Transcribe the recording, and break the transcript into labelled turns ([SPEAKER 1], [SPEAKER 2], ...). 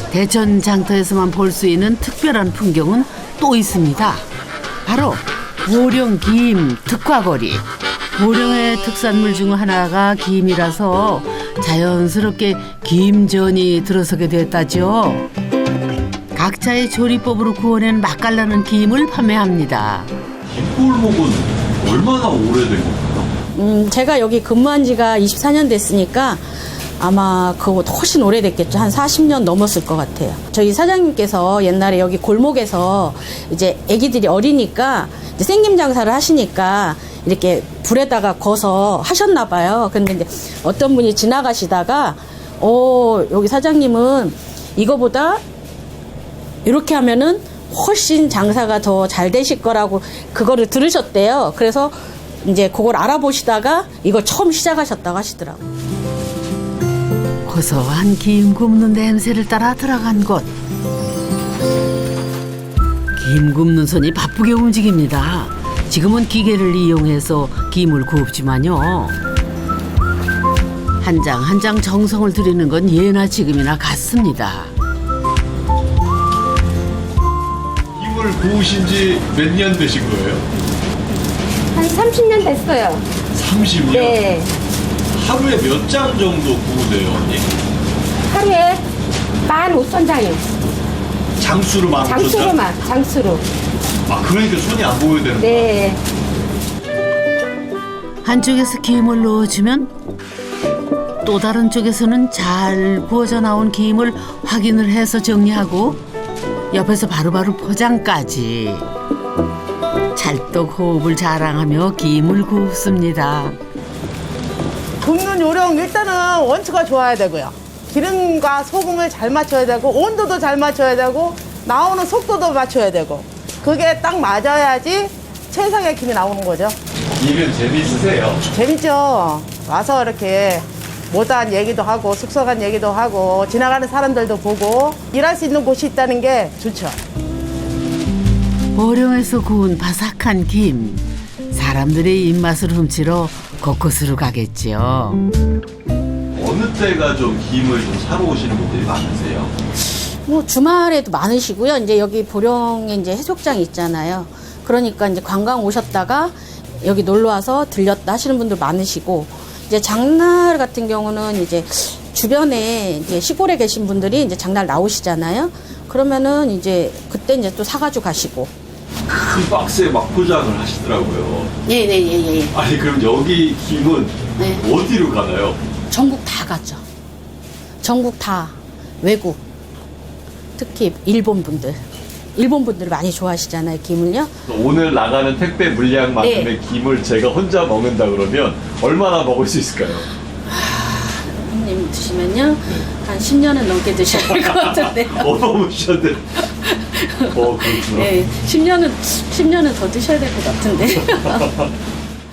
[SPEAKER 1] 대천 장터에서만 볼 수 있는 특별한 풍경은 또 있습니다. 바로 보령 김 특화거리. 보령의 특산물 중 하나가 김이라서 자연스럽게 김전이 들어서게 됐다죠. 각자의 조리법으로 구워낸 맛깔나는 김을 판매합니다.
[SPEAKER 2] 김골목은 얼마나 오래된 건가요?
[SPEAKER 3] 제가 여기 근무한 지가 24년 됐으니까 아마 그거보다 훨씬 오래됐겠죠. 한 40년 넘었을 것 같아요. 저희 사장님께서 옛날에 여기 골목에서 이제 아기들이 어리니까 이제 생김 장사를 하시니까 이렇게 불에다가 거서 하셨나 봐요. 근데 이제 어떤 분이 지나가시다가 여기 사장님은 이거보다 이렇게 하면은 훨씬 장사가 더 잘 되실 거라고 그거를 들으셨대요. 그래서 이제 그걸 알아보시다가 이걸 처음 시작하셨다고 하시더라고요.
[SPEAKER 1] 고소한 김 굽는 냄새를 따라 들어간 곳. 김 굽는 손이 바쁘게 움직입니다. 지금은 기계를 이용해서 김을 굽지만요. 한 장 한 장 정성을 들이는 건 예나 지금이나 같습니다.
[SPEAKER 2] 김을 구우신 지 몇 년 되신 거예요?
[SPEAKER 4] 한 30년 됐어요.
[SPEAKER 2] 30년?
[SPEAKER 4] 네.
[SPEAKER 2] 하루에 몇 장 정도 구우세요, 언니?
[SPEAKER 4] 하루에 15,000장이요.
[SPEAKER 2] 장수로 15,000장?
[SPEAKER 4] 장수로만, 장수로.
[SPEAKER 2] 아, 그러니까 손이 안 보여야 되는 거야?
[SPEAKER 4] 네.
[SPEAKER 1] 한쪽에서 김을 넣어주면 또 다른 쪽에서는 잘 구워져 나온 김을 확인을 해서 정리하고 옆에서 바로바로 포장까지. 찰떡 호흡을 자랑하며 김을 굽습니다.
[SPEAKER 5] 굽는 요령 일단은 원초가 좋아야 되고요. 기름과 소금을 잘 맞춰야 되고 온도도 잘 맞춰야 되고 나오는 속도도 맞춰야 되고 그게 딱 맞아야지 최상의 김이 나오는 거죠.
[SPEAKER 2] 일은 재밌으세요?
[SPEAKER 5] 재밌죠. 와서 이렇게 못한 얘기도 하고 숙성한 얘기도 하고 지나가는 사람들도 보고 일할 수 있는 곳이 있다는 게 좋죠.
[SPEAKER 1] 보령에서 구운 바삭한 김. 사람들의 입맛을 훔치러 곳곳으로 가겠죠.
[SPEAKER 2] 어느 때가 좀 김을 좀 사러 오시는 분들이 많으세요?
[SPEAKER 3] 뭐 주말에도 많으시고요. 이제 여기 보령에 이제 해수욕장이 있잖아요. 그러니까 이제 관광 오셨다가 여기 놀러 와서 들렸다 하시는 분들 많으시고 이제 장날 같은 경우는 이제 주변에 이제 시골에 계신 분들이 이제 장날 나오시잖아요. 그러면은 이제 그때 이제 또 사가지고 가시고.
[SPEAKER 2] 큰 박스에 막 포장을 하시더라고요.
[SPEAKER 3] 예.
[SPEAKER 2] 아니, 그럼 여기 김은
[SPEAKER 3] 네.
[SPEAKER 2] 어디로 가나요?
[SPEAKER 3] 전국 다 가죠. 전국 다 외국. 특히 일본 분들. 일본 분들 많이 좋아하시잖아요, 김을요.
[SPEAKER 2] 오늘 나가는 택배 물량만큼의
[SPEAKER 3] 네.
[SPEAKER 2] 김을 제가 혼자 먹는다 그러면 얼마나 먹을 수 있을까요?
[SPEAKER 3] 형님 드시면요. 한 10년은 넘게 드셔야 될 것 같은데.
[SPEAKER 2] 너무 쉬었는데. 그렇구나.
[SPEAKER 3] 네, 10년은 더 드셔야 될 것 같은데.